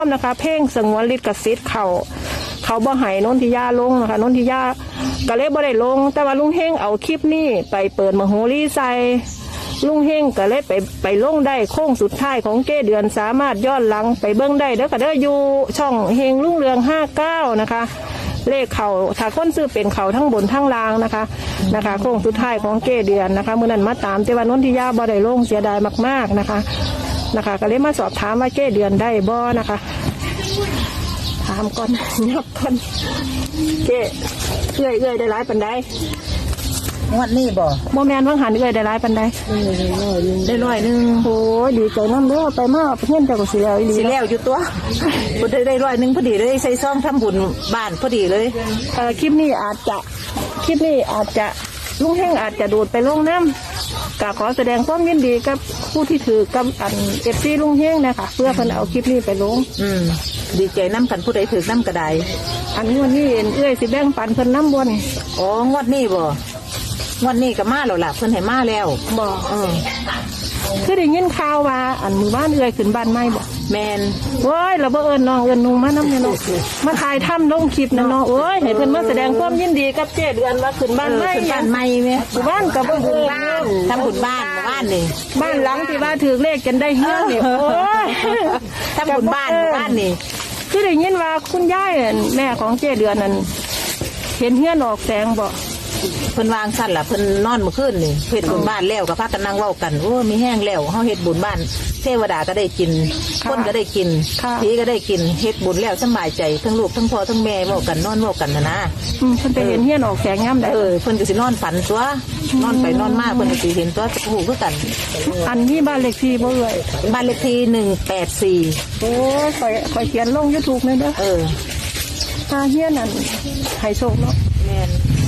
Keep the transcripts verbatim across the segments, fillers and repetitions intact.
นะคะเพ่งสงวนลิขสิทธิ์เขาเขาบ่ให้นนทิยาลงนะคะนนทิยาก็เลยบ่ได้ลงแต่ว่าลุงเฮงเอาคลิปนี้ไปเปิดมโหรีใส่ลุงเฮงก็เลยไปไปลงได้โค้งสุดท้ายของเก้เดือนสามารถย้อนหลังไปเบิ้งได้เด้อก็เด้ออยู่ช่องเฮงรุ่งเรืองห้าเก้านะคะเลขเขาถ้าคนซื้อเป็นเขาทั้งบนทั้งล่างนะคะนะคะโค้งสุดท้ายของเก้เดือนนะคะเมื่อนั้นมาตามแต่ว่านนทิยาบ่ได้ลงเสียดายมากๆนะคะนะคะก็เลยมาสอบถามว่าเก้เดือนได้บ่นะคะถามก่อนยับก่อนเก้เอื้อยเอื้อยได้หลายปันใดงวดนี้บ่โมแมนว่างหันเอื้อยได้หลายปันใดได้ร้อยหนึ่งโอ้ดีใจน้ำเด้อไปมากเพื่อนเจ้าก็สิแล้วอีหลีสิแล้วอยู่ตัวบ่ได้ได้ร้อยหนึ่งพอดีเลยใส่ซองทำบุญบ้านพอดีเลยเอ่อคลิปนี้อาจจะคลิปนี้อาจจะลุงแห้งอาจจะดูดไปลงน้ำกะขอแสดงความยินดีกับผู้ที่ถือกับอันเอฟซีลุงแห้งนะคะเพื่อเพิ่นเอาคลิปนี้ไปลงอืมดีใจน้ำกันผู้ใดถือน้ำกระไดอันนี้วันนี้เอื้อยสิแบ่งปันเพิ่นน้ำบนอ๋องวดนี้บ่งวดนี้ก็มาแล้วล่ะเพิ่นให้มาแล้วบ่เออคือได้ยินข่าวว่าอันมือบ้านเอื้อยขึ้นบ้านใหม่บ่แมนโอ้ยเราบ่เอิญน้องเอิญนุ่งมาน้ำเนี่ยน้องมาถ่ายทำลงคลิปนะน้องโอ้ยให้เพิ่นมาแสดงความยินดีกับเจ๊เดือนว่าขึ้นบ้านใหม่ขึ้นบ้านใหม่ไหมบ้านกับบ้านบ้านทำบุญบ้านบ้านนี่บ้านหลังที่ว่าถือเลขกันได้เฮือนนี่โอ้ยทำบุญบ้านบ้านนี่คือได้ยินว่าคุณยายแม่ของเจ๊เดือนนั้นเห็นเฮือนออกแสงบ่เพิ่นวางสั่นล่ะเพิ่นนอนเมื่อคืนนี่เฮ็ดบุญบ้านแล้วก็พากันนั่งเว้ากันโอ้มีแห้งแล้วเฮาเฮ็ดบุญบ้านเทวดาก็ได้กินคนก็ได้กินผีก็ได้กินเฮ็ดบุญแล้วสบายใจทั้งลูกทั้งพ่อทั้งแม่เว้ากันนอนเว้ากันนะนะอืมเพิ่นไปเห็นเฮือนออกแสงยามใดเออเพิ่นก็สินอนฝันตัวนอนไปนอนมาเพิ่นก็สิเห็นตัวฮู้คือกันอันนี้บ้านเลขที่บ่เอ่ยบ้านเลขที่หนึ่งแปดสี่โอ้ยข่อยข่อยเขียนลง YouTube เลยเด้อเออถ้าเฮือนนั่นให้โชคเนาะแม่น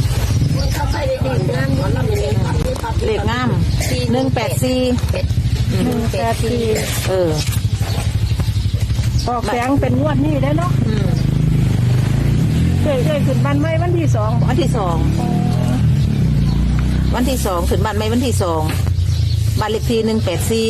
เลขงามหนึ่งแปดสี่หนึ่งแปดสี่เออออกแสงเป็นงวดนี้ได้เนาะเคยเคยขึ้นบ้านใหม่วันที่สองวันที่สองวันที่สองขึ้นบ้านใหม่วันที่สองบ้านเลขที่หนึ่งแปดสี่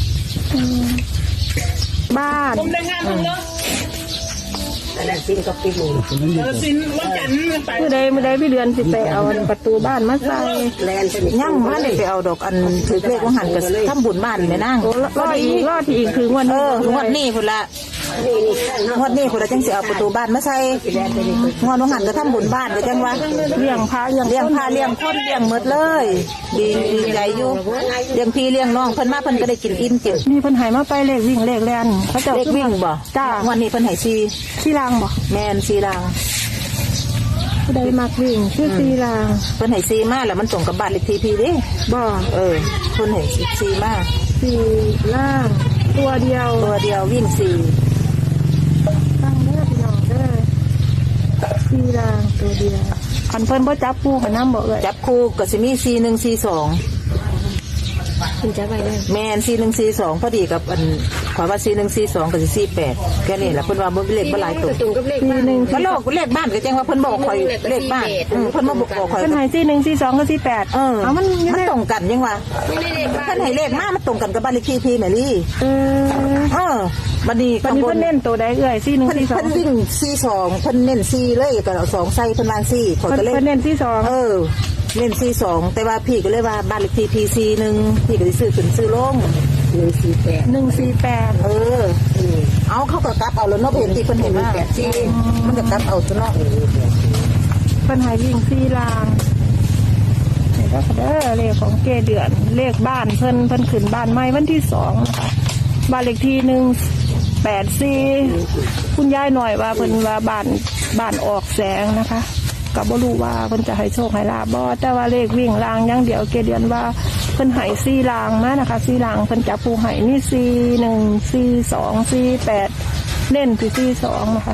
บ้านผมได้งามเนาะแต่สิ้นก็ปิดมือสิ้นวันจันทร์ไปเมื่อใดเมื่อใดพี่เดือนสิไปเอาประตูบ้านมาใส่ย่ำว่าได้ไปเอาดอกอันถือเลขว่าหันกับทำบุญบ้านแม่นางรอดอีกรอดอีกคืองวดนี้งวดนี้คนละงวดนี้คนละจังสิเอาประตูบ้านมาใส่งวดว่าหันก็ทำบุญบ้านก็จังว่าเลี้ยงพระเลี้ยงเลี้ยงพระเลี้ยงคนเลี้ยงหมดเลยดีดีใจอยู่เลี้ยงพี่เลี้ยงน้องเพิ่นมาเพิ่นก็ได้กินอิ่มกินมีเพิ่นให้มาไปเลขวิ่งเลขแล่นเขาจะเลขวิ่งบ่จ้างวดนี้เพิ่นให้ซีซีรางบ่แม่นซีรางได้มากวิ่งชื่อซีรางเพิ่นให้ซีมาแล้วมันตรงกับบ้านเลขที่พี่ดิบ่เออเพิ่นให้ซีมาซีล่างตัวเดียวตัวเดียววิ่งซีตั้งเด้อพี่น้องเด้อซีรางตัวเดียวอันเพิ่นบ่จับคู่กับน้ำบ่เอ่ยจับคู่ก็สิมีซีหนึ่งซีสองคุณจับไว้ได้แม่นซีหนึ่งซีสองพอดีกับอันขอว่าซีหนึ่งซีสองกับซีแปดแค่นี้แหละเพิ่นว่าบ่เลขบ่หลายตัวซีหนึ่งก็โลกเลขบ้านก็แจ้งว่าเพิ่นบอกข่อยเลขบ้านเพิ่นมาบอกข่อยเพิ่นให้ซีหนึ่งซีสองกับซีแปดเออมันมันตรงกันยังวะเพิ่นให้เลขมามันตรงกันกับบ้านเลขที่พี่แม่ลี่เออเออบัดนี้เพิ่นเน้นตัวใดเอ่ยซีหนึ่งซีสองเพิ่นวิ่งซีสองเพิ่นเน้นซีเลยก็เอาสองใส่เพิ่นวางซีข่อยก็เลยเพิ่นเน้นซีสองเออเล่นซีสองแต่ว่าพี่ก็เลยว่าบ้านเลขที่พีซีหนึ่งพี่ก็ได้ซื้อขึ้นซื้อลงหนึ่งสี่แปดหนึ่งสี่แปดเออเอาเขาก็กลับเอาแล้วเนาะเห็นที่เพิ่นเห็นว่าแปดซีมันก็กลับเอาซะเนาะเพิ่นให้วิ่งซีลางนี่ก็เด้อเลขของเกเดือนเลขบ้านเพิ่นเพิ่นขึ้นบ้านใหม่วันที่สองนะคะบ้านเลขที่หนึ่งแปดสี่คุณยายหน่อยว่าเพิ่นว่าบ้านบ้านออกแสงนะคะก็บ่รู้ว่าเพิ่นจะให้โชคให้ลาบบ่แต่ว่าเลขวิ่งรางอย่างเดียวเกเดือนว่าเพิ่นให้สี่รางมานะคะสี่รางเพิ่นจับผู้ให้นี่สี่หนึ่งสี่สองสี่แปดเล่นที่สี่สองนะคะ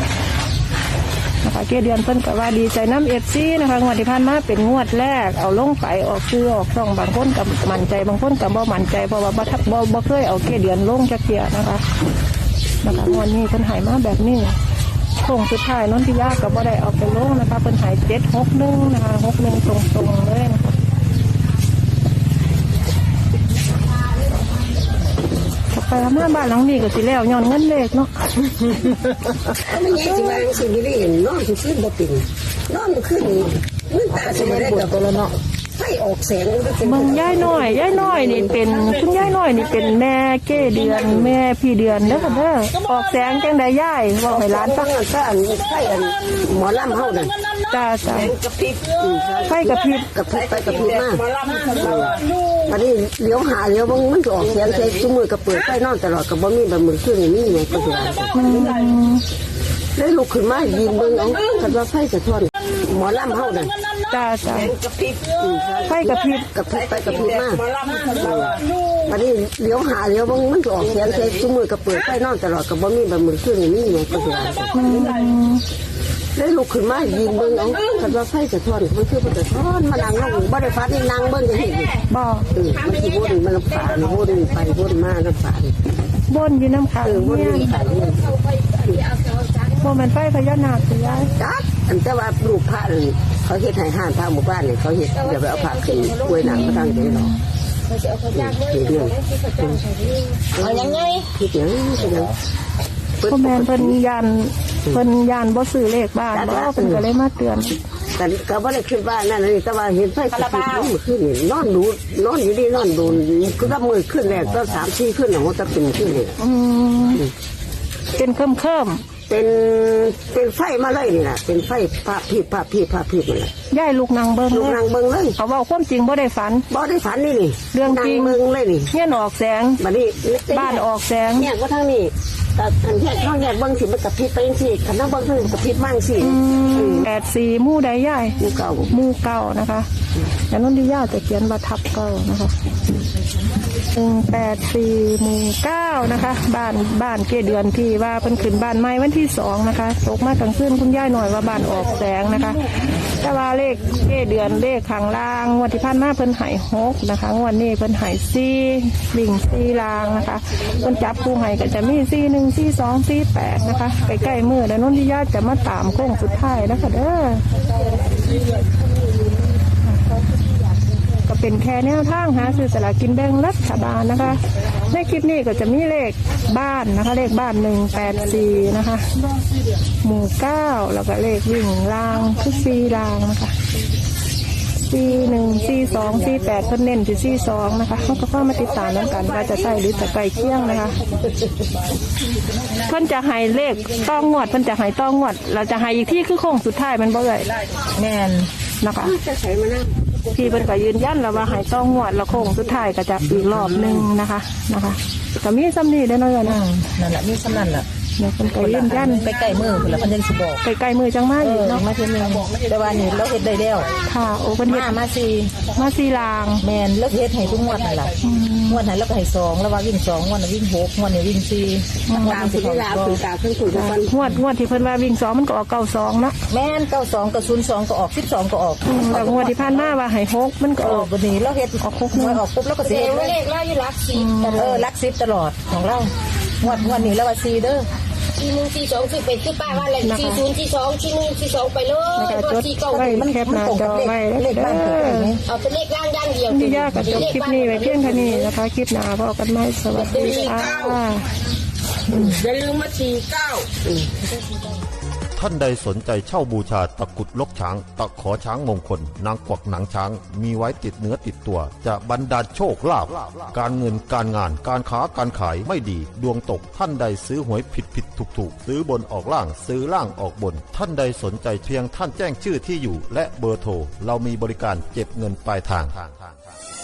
นะคะเกเดือนเพิ่นก็ว่าดีใจน้ำเอฟซีนะคะงวดที่ผ่านมาเป็นงวดแรกเอาลงไปออกซื้อออกช่องบางคนกับมั่นใจบางคนกับบ่มั่นใจเพราะว่าบ่บ่บ่เคยเอาเกเดือนลงจักเที่ยนะคะนะคะงวดนี้เพิ่นให้มาแบบนี้โค้งสุดท้ายนนทิยาก็บ่ได้เอาไปลงนะคะเป็นหายเจ็ดหกหนึ่งนะคะหกหนึ่งตรงๆเลยนะคะขอบไปทำงานบ้านหลังนี้ก็สิแล้วย้อนเงินเลขเนาะไม่ใช่สิว่าสิไม่ได้นอนขึ้นบ่เป็นนอนขึ้นเงินตาสิไม่ได้กับตัวละเนาะไฟออกแสงก็เป็นเบิ่งยายน้อยยายน้อยนี่เป็นคุณยายน้อยนี่เป็นแม่เก้เดือนแม่พี่เดือนเด้อค่ะเด้อออกแสงจังไดยายเว้าให้หลานฟังถ้าอันไฟอันหมอลำเฮานั่นจ้าจ้ากระพริบไฟกระพริบกระพริบไปกระพริบมาอันนี้เลี้ยวหาเลี้ยวบางมันก็ออกเสียงใส่จุมือก็เปิดไฟนอนตลอดก็บ่มีแบบมือขึ้นนี่ไงก็สิว่าเลยลุกขึ้นมายิงเบิ่งเอาคันว่าไฟสะท้อนหมอลำเฮานั่นจ้าจ้ากระพริบไฟกระพริบกระพริบไปกระพริบมาอันนี้เลี้ยวหาเลี้ยวบางมันก็ออกเสียงใส่จุมือก็เปิดไฟนอนตลอดก็บ่มีแบบมือขึ้นนี่ไงก็สิว่าเลยลุกขึ้นมายิงเบิ่งเอาคันว่าไฟสะท้อนมันคือมันสะท้อนมานั่งลงบ่ได้ฟัดนี่นั่งเบิ่งจังซี่บ่เออมันสิวนมันฝาวนไปวนมาน้ำฝาบ่นอยู่น้ำขังเออวนเนี่ยไปวนบ่แม่นไฟพญานาคสิยายจัดอันแต่ว่ารูปพระนี่เขาเฮ็ดให้ห้านพระหมู่บ้านนี่เขาเฮ็ดเดี๋ยวไปเอาพระขึ้นกล้วยหนังมาตั้งใจหรอกเฮ็ดเรื่องเอายังไงเฮ็ดหยังเฮ็ดหยังพ่อแม่นเพิ่นยานเพิ่นยานบ่ซื้อเลขบ้านบ่เพิ่นก็เลยมาเตือนแต่ก็บ่ได้ขึ้นบ้านนั่นนี่แต่ว่าเห็นไฟกระพริบมันขึ้นนี่นอนดูนอนอยู่ดีนอนดูคือว่ามือขึ้นแรกก็สามสี่ขึ้นน่ะมันจะเป็นขึ้นนี่อืมเป็นเคิ่มเป็นเป็นไฟมาเลยนี่ล่ะเป็นไฟพระพีพระพีพระพีนั่นแหละๆยายลูกนางเบิ่งลูกเลยนางเบิ่งเลยเขาเว้าความจริงบ่ได้ฝันบ่ได้ฝันนี่นี่เรื่องจริงนางเบิ่งเลยนี่เฮียนออกแสงบัดนี้บ้านออกแสงเนี่ยว่าทางนี้แต่อันแยกน้องแยกเบิ้งสิมันกระพริบไปจังซี่คันน้องเบิ้งมันกระพริบมั่งสิแปดสี่หมู่ใดยายกูเก่าหมู่เก้านะคะแต่นนทิยาจะเขียนว่าทับเก้านะคะหนึ่งแปดสี่หมู่เก้านะคะ บ้านบ้านเกเดือนที่ว่าเพิ่นขึ้นบ้านใหม่วันที่สองนะคะตกมากลางคืนคุณยายหน่อยว่าบ้านออกแสงนะคะ แต่ว่าเลขเกเดือนเลขข้างล่างงวดที่ผ่านมาเพิ่นใหายหกนะคะงวดนี้เพิ่นใหายสี่วิ่งสี่ลางนะคะเพิ่นจับคู่ให้ก็จะมีสี่หนึ่งสี่สองสี่แปดนะคะใกล้ๆมือแล้วนนทิยาจะมาตามโค้งสุดท้ายนะคะเด้อ ก็เป็นแค่แนวทางหาซื้อสลากกินแบ่งรัฐบาลนะคะ ในคลิปนี้ก็จะมีเลขบ้านนะคะ เลขบ้านหนึ่งแปดสี่นะคะ หมู่เก้าแล้วก็เลขวิ่งรางคือสี่รางนะคะสี่หนึ่งสี่สองสี่แปดเพิ่นเน้นที่สี่สองนะคะเขาก็เข้ามาติดตามแล้วกันว่าจะใส่หรือจะไก่เคี่ยงนะคะ เพิ่นจะให้เลขต้องงวดเพิ่นจะให้ต้องงวด เราจะให้อีกที่คือโค้งสุดท้ายมันบ่เลยแม่นนะคะจะใส่มานั่งพี่เพิ่นก็ยืนยันแล้วว่าให้ต้องงวดแล้วโค้งสุดท้ายก็จะอีกรอบหนึงนะคะนะคะก็มีซ้ำนี่ได้อเนาะอืนะมนั่นแหละมีสำนันล่ะเนี่ยเพิ่นก็ยืนยันไปใกล้มือพุ่นละเพิ่นยังสิบอกใกล้ๆมือจังมาเออีกอเนาะมาเทีนึงแต่ว่านี่เราเฮ็ดได้แล้วค่ะโอ้เพิ่นเฮ็มาดมาสิมาสีลางแม่นเลิกเฮ็ดให้ทุกงวดนั่นล่ะงวดไหนเราก็ให้สองแล้วว่าวิ่งสองงวดน่ะวิ่งหกงวดนี้วิ่งสี่งวดตามนี้สิสิลาเข้าคือตาขึ้นสู่ทุกวันงวดงวดที่เพิ่นว่าวิ่งสองมันก็ออกเก้าสองเนาะแม่นเก้าสองกับศูนย์สองก็ออกสิบสองก็ออกอืมแต่งวดที่ผ่านมาว่าให้หกมันก็เออออกวันนี้เราเฮ็ดออกหกงวดออกปุ๊บแล้วก็สิเฮ็ดเลยเลขเราอยู่หลักสิบเออรักสิบตลอดของเรางวดงวดนี้แล้วว่าสี่เด้อสี่หนึ่งสี่สองสี่เป็นสี่ป้าว่าอะไรสี่ศูนย์สี่สองสี่หนึ่งสี่สองไปเลยแล้วก็จดสี่เก้าไว้แคปหน้าจอไว้เด้อเอาเป็นเลขล่างย่างเดียวที่ยากกับจบคลิปนี้ไว้เพียงเท่านี้นะคะคลิปหน้าพบกันใหม่สวัสดีค่ะอย่าลืมมาสี่เก้าท่านใดสนใจเช่าบูชาตะกรุดลกช้าง ตะขอช้างมงคล นางกวักหนังช้าง มีไว้ติดเนื้อติดตัว จะบรรดาลโชคลาภการเงินการงานการค้าการขายไม่ดี ดวงตกท่านใดซื้อหวยผิดผิดถูกถูกซื้อบนออกล่างซื้อล่างออกบน ท่านใดสนใจเพียงท่านแจ้งชื่อที่อยู่ และเบอร์โทรเรามีบริการเก็บเงินปลายทาง